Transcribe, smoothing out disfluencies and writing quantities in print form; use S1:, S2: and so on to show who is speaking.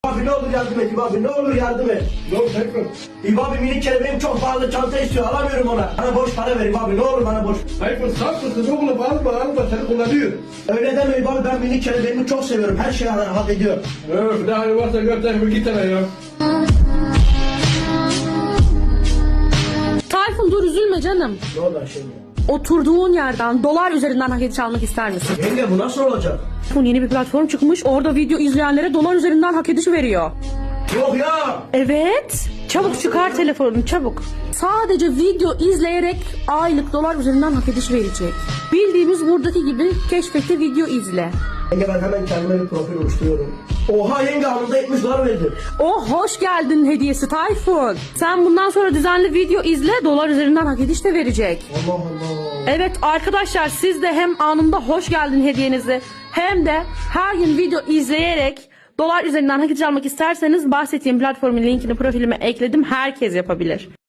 S1: Abi ne olur yardım et İbo abi, ne olur yardım et.
S2: Ne oldu Tayfun?
S1: İbo abi minik kelebeğim çok pahalı, çanta istiyor, alamıyorum ona. Bana borç para ver İbo abi, ne olur bana borç.
S2: Tayfun saf mısın oğlum, alma seni kullanıyor.
S1: Öyle deme İbo abi, ben minik kelebeğimi çok seviyorum, her şeyi hak ediyor.
S2: Öf, ne hali varsa gör Tayfun, git hele ya.
S3: Tayfun dur, üzülme canım.
S1: Ne oldu şimdi?
S3: Oturduğun yerden dolar üzerinden hak ediş almak ister misin?
S1: Yenge bu nasıl olacak?
S3: Tayfun yeni bir platform çıkmış. Orada video izleyenlere dolar üzerinden hak ediş veriyor.
S1: Yok ya.
S3: Evet. Çabuk çıkar telefonunu, çabuk. Sadece video izleyerek aylık dolar üzerinden hak ediş verecek. Bildiğimiz buradaki gibi keşfette video izle.
S1: Yenge ben hemen kendime bir profil oluşturuyorum. Oha yenge, anında 70 dolar verdi.
S3: Oh, hoş geldin hediyesi Tayfun. Sen bundan sonra düzenli video izle, dolar üzerinden hak ediş de verecek.
S1: Allah Allah.
S3: Evet arkadaşlar, siz de hem anında hoş geldin hediyenizi hem de her gün video izleyerek dolar üzerinden hak ediş almak isterseniz bahsettiğim platformun linkini profilime ekledim. Herkes yapabilir.